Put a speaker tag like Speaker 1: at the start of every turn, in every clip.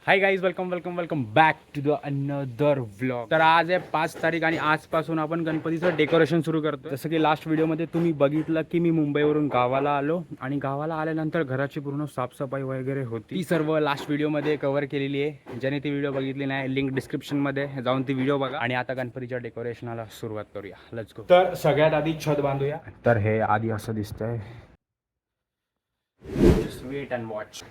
Speaker 1: High guys, welcome back to the another vlog. तर आज आहे 5 तारीख आणि आजपासून आपण गणपतीचं डेकोरेशन सुरू करतो. जसं की लास्ट व्हिडिओमध्ये तुम्ही बघितलं की मी मुंबईवरून गावाला आलो आणि गावाला आल्यानंतर घराची पूर्ण साफसफाई वगैरे होती. ती सर्व लास्ट व्हिडिओमध्ये कव्हर केलेली आहे. ज्याने ती व्हिडिओ बघितली नाही, लिंक डिस्क्रिप्शनमध्ये जाऊन ती व्हिडिओ बघा. आणि आता गणपतीच्या डेकोरेशनला सुरुवात करूया. Let's go. तर सगळ्यात आधी छत बांधूया. तर हे आधी असं दिसतंय. Just wait and watch.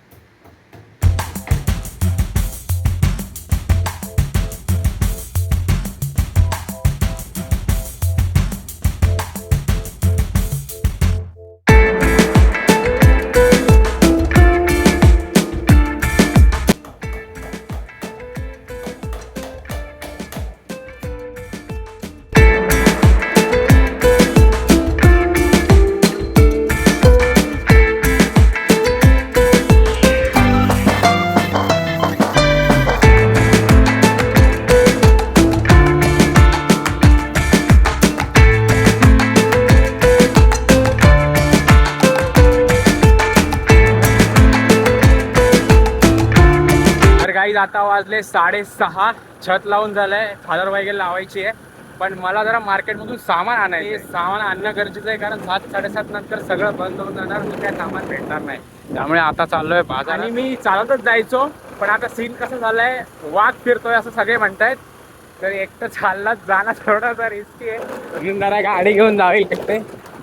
Speaker 1: Guys आता वाजले 6:30. छत लावून झालंय, फादर वगैरे लावायची आहे. पण मला जरा मार्केटमधून सामान आणायचं. सामान आणणं गरजेचं आहे, कारण 7-7:30 नंतर सगळं बंद होऊन जाणार, मग काय सामान भेटणार नाही. त्यामुळे आता चाललोय बाजार. आणि मी चालतच जायचो, पण आता सीन कसं झालंय, वाघ फिरतोय असं सगळे म्हणतायत. तर एकटं चाललाच जाणं थोडासा रिस्की आहे, म्हणून जरा गाडी घेऊन जावी लागते.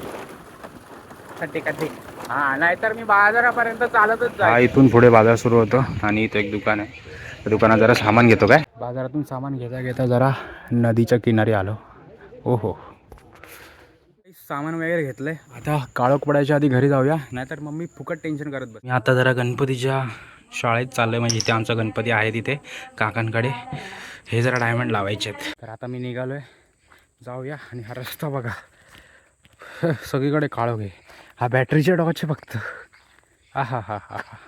Speaker 1: ठीक आहे, हा, नाहीतर मी बाजारापर्यंत चालतच जाईल. हा, इथून पुढे बाजार सुरू होतो आणि इथं एक दुकान आहे. दुकानात जरा सामान घेतो. काय बाजारातून सामान घेता घेता जरा नदीच्या किनारी आलो. ओहो, सामान वगैरे घेतलंय. आता काळोख पडायच्या आधी घरी जाऊया, नाहीतर मम्मी फुकट टेन्शन करत बस. मी आता जरा गणपतीच्या शाळेत चाललोय, म्हणजे इथे आमचा गणपती आहे तिथे काकांकडे. हे जरा डायमंड लावायचे आहेत. तर आता मी निघालोय, जाऊया. आणि हा रस्ता बघा, सगळीकडे काळोख आहे. हा बॅटरीचे टॉर्च फक्त. हा हा हा हा हा,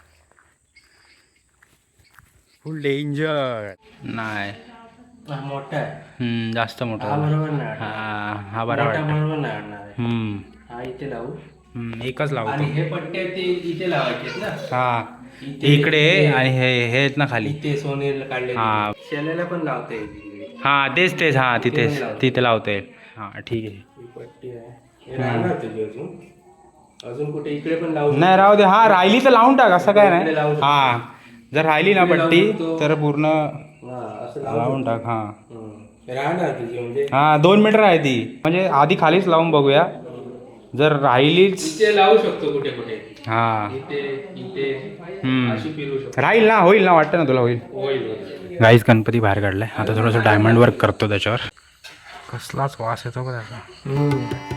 Speaker 1: फुल डेंजर. नाही,
Speaker 2: मोठा आहे.
Speaker 1: जास्त मोठा.
Speaker 2: हा बरोबर नाही.
Speaker 1: हा बरोबर
Speaker 2: नाही. हा इथे लावू.
Speaker 1: एकच लावतो.
Speaker 2: आणि हे पट्टे ते इथे लावायचे ना.
Speaker 1: हा, इकडे आणि हे आहेत ना खाली.
Speaker 2: इथे सोनेल काढले.
Speaker 1: हा,
Speaker 2: शेल्याला पण लावता येईल.
Speaker 1: हा तेच हा, तिथे लावता येईल. हा ठीक आहे.
Speaker 2: ही पट्टी आहे, हे राहणार तुझी अजून कुठे इकडे पण लावू.
Speaker 1: नाही, राहू दे. हा, राहिली तर लावून टाक, असं काय नाही.
Speaker 2: लावू.
Speaker 1: हा, जर राहिली ना पट्टी तर पूर्ण
Speaker 2: असं
Speaker 1: लावून टाक. हा
Speaker 2: राहणार तुझी, म्हणजे
Speaker 1: हा 2 मीटर आहे ती, म्हणजे आधी खालीच लावून बघूया. जर राहिलीच
Speaker 2: इथे लावू शकतो कुठे कुठे.
Speaker 1: हा,
Speaker 2: इथे इथे अशी फिरू शकतो.
Speaker 1: राहील ना, होईल ना, वाटतं ना तुला होईल.
Speaker 2: होईल.
Speaker 1: गाईज गणपती बाहेर काढलाय. आता थोडंसं डायमंड वर्क करतो त्याच्यावर. कसलाच वास येतो का त्याचा.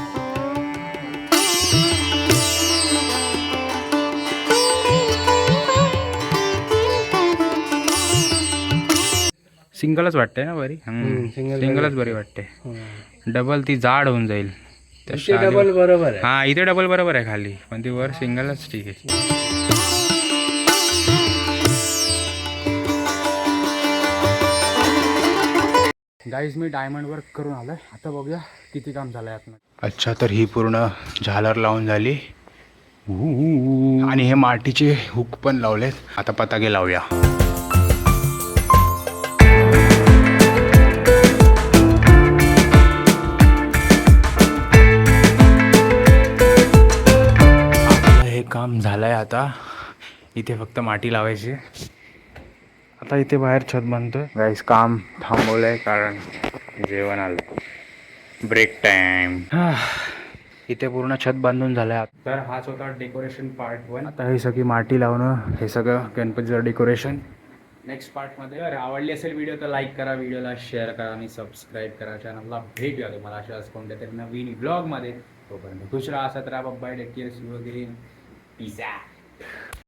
Speaker 1: सिंगलच वाटते ना बरी. सिंगलच बरी वाटते. डबल ती जाड होऊन जाईल.
Speaker 2: डबल बरोबर आहे.
Speaker 1: हा, इथे डबल बरोबर आहे खाली, पण ती वर सिंगलच ठीक आहे. गाईज मी डायमंड वर्क करून आलोय. आता बघूया किती काम झालंय आतमध्ये. अच्छा, तर ही पूर्ण झालर लावून झाली आणि हे मातीचे हुक पण लावलेत. आता पताके लावूया. काम झालंय. आता इथे फक्त माती लावायची. आता इथे बाहेर छत बांधतोय. गाईस काम थांबवलंय कारण जेवण आलं. Break time. इथे पूर्ण छत बांधून झालंय. तर हाच होता डेकोरेशन पार्ट 1. आता हे सगळी माती लावणं, हे सगळं गणपतीचं डेकोरेशन नेक्स्ट पार्टमध्ये. जर आवडली असेल व्हिडिओ तर लाईक करा, व्हिडिओला शेअर करा आणि सबस्क्राईब करा चॅनलला. भेटूया तुम्हाला अशाच कोणत्या तरी नवीन ब्लॉगमध्ये. तोपर्यंत खुश राहा, सतरा bye, take care, see you again. Peace out.